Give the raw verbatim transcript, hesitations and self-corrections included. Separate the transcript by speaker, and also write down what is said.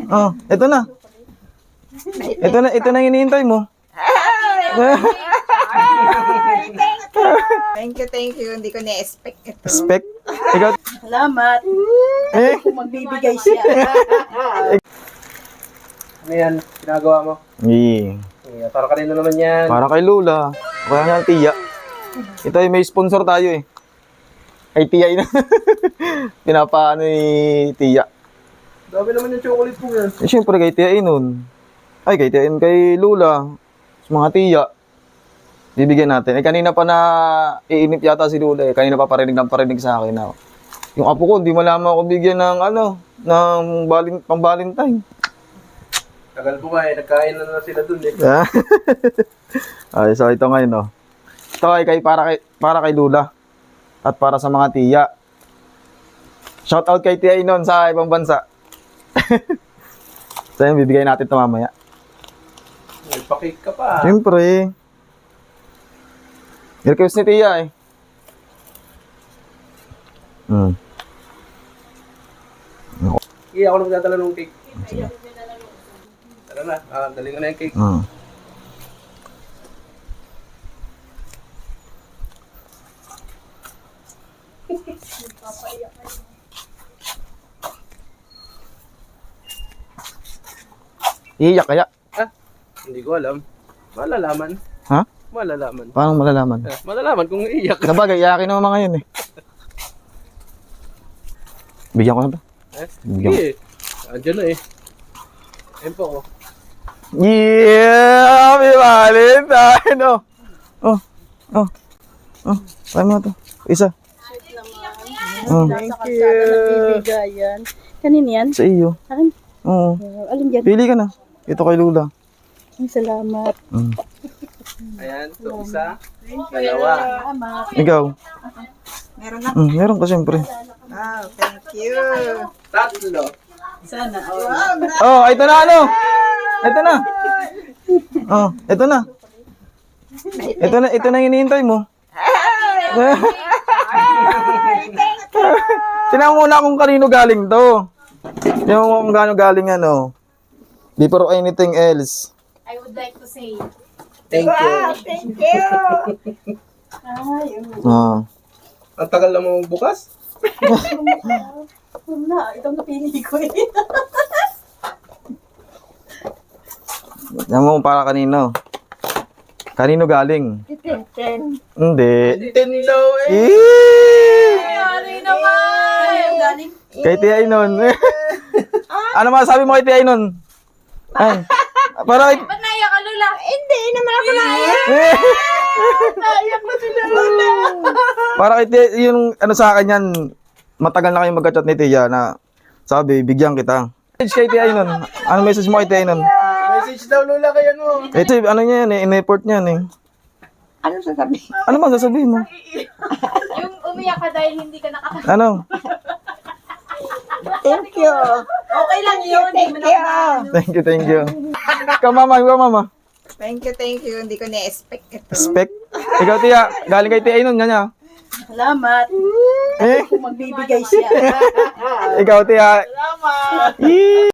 Speaker 1: Oh, ito na. Ito na, ito na yung hinihintay mo.
Speaker 2: Thank you, thank you. Hindi ko na-expect ito.
Speaker 1: Spec. Ikaw.
Speaker 3: Salamat.
Speaker 1: Eh.
Speaker 3: Kung magbibigay siya.
Speaker 4: Ano yan? Ginagawa mo?
Speaker 1: Yeah.
Speaker 4: Yeah, para kanino naman yan?
Speaker 1: Para kay Lola. Kaya nga tiya. Ito ay may sponsor tayo eh. Kay Tiya yun. Pinapaano ni Tiya.
Speaker 4: Dami naman yung chocolate po yan.
Speaker 1: Eh, syempre kay Tiya Inon. Ay, kay Tiya Inon, kay Lola. Sa mga Tiya. Bibigyan natin. Eh, kanina pa na iinip yata si Lola eh. Kanina pa parinig ng parinig sa akin na. Yung apo ko, hindi malaman ako bigyan ng ano, ng balin, pang Valentine.
Speaker 4: Tagal po nga eh. Nagkain na na sila dun eh.
Speaker 1: Ay, so ito ngayon, no. Ito ay kay, para, kay, para kay Lola. At para sa mga Tiya. Shout out kay Tiya Inon sa ibang bansa. So yun, bibigay natin ito mamaya.
Speaker 4: May pakik ka pa.
Speaker 1: Siyempre. Request ni Tiya eh. Hmm.
Speaker 4: Iya, ako na magdadala ng cake. Tara na. Ah, dali ko na yung cake.
Speaker 1: Hmm. Iiyak kaya?
Speaker 4: Ah, hindi ko alam. Malalaman.
Speaker 1: Ha?
Speaker 4: Malalaman.
Speaker 1: Paano malalaman?
Speaker 4: Ah, malalaman kung iiyak.
Speaker 1: Sabagay, iyakin naman mga yun eh. Bigyan ko na ba?
Speaker 4: Eh,
Speaker 1: Bigyan ko.
Speaker 4: sige. Andiyan na eh. Ayun po ako.
Speaker 1: Yeah! May Valentine! Oh! Oh! Oh! Oh! Try mo ito. Isa. Oh.
Speaker 3: Thank you. Nagbibigayan. Kanina yan?
Speaker 1: Sa iyo.
Speaker 3: Akin?
Speaker 1: Oo.
Speaker 3: Uh, alin dyan?
Speaker 1: Pili ka na. Ito kay Lula.
Speaker 3: Ay, salamat.
Speaker 1: Mm.
Speaker 4: Ayan, ito isa. Dalawa.
Speaker 3: Salamat.
Speaker 1: Ikaw?
Speaker 2: Meron na.
Speaker 1: Mm, meron ka siyempre.
Speaker 2: Wow, thank you.
Speaker 4: Tatlo.
Speaker 3: Sana.
Speaker 1: Oh,
Speaker 3: Oh.
Speaker 1: ito na ano? Ito na. Oh, ito na. Ito na, ito na yung hinihintay mo. Tingnan mo muna kung kanino galing to. Tingnan mo kung gaano galing ano. Before anything else.
Speaker 5: I would like to say,
Speaker 4: Thank you.
Speaker 2: Thank you.
Speaker 3: Ay,
Speaker 1: Ah.
Speaker 4: Ang tagal na mo bukas?
Speaker 3: wala. Itong napili ko eh.
Speaker 1: Tingnan mo kung para kanino. Kanino galing?
Speaker 3: Ten.
Speaker 1: Hindi.
Speaker 4: Nintendo eh.
Speaker 1: Eh!
Speaker 5: sorry naman!
Speaker 3: Galing.
Speaker 1: Kay Tia Inon. Ano masasabi mo kay Tia Inon? Ay. Para kay...
Speaker 5: Ba't naiyak ka, Lula?
Speaker 2: Hindi naman ako naiyak.
Speaker 3: Naiyak na sila.
Speaker 1: Para kay Tia, yung ano sa akin yan, matagal na kayong magka-chat ni Tia na sabi, bigyan kita. Message kay Tia Inon. Ano message mo kay Tia Inon?
Speaker 4: Message daw Lola kaya mo.
Speaker 1: Ito, ano niya yan eh, in-effort niya yan eh.
Speaker 2: Ano sasabihin?
Speaker 1: Ano bang sasabihin mo?
Speaker 5: Yung umiyak ka dahil hindi ka nakaka...
Speaker 1: Ano?
Speaker 2: Thank you.
Speaker 3: Okay lang yun.
Speaker 2: Thank you.
Speaker 1: Thank you, thank you. Ikaw mama, ikaw mama.
Speaker 2: Thank you, thank you. Hindi ko na-expect ito.
Speaker 1: Spec. Ikaw Tia, galing kay Tia Inon, yan niya.
Speaker 3: Salamat.
Speaker 1: Eh,
Speaker 3: Kung magbibigay siya.
Speaker 1: ikaw Tia.
Speaker 3: Salamat.
Speaker 1: Eh.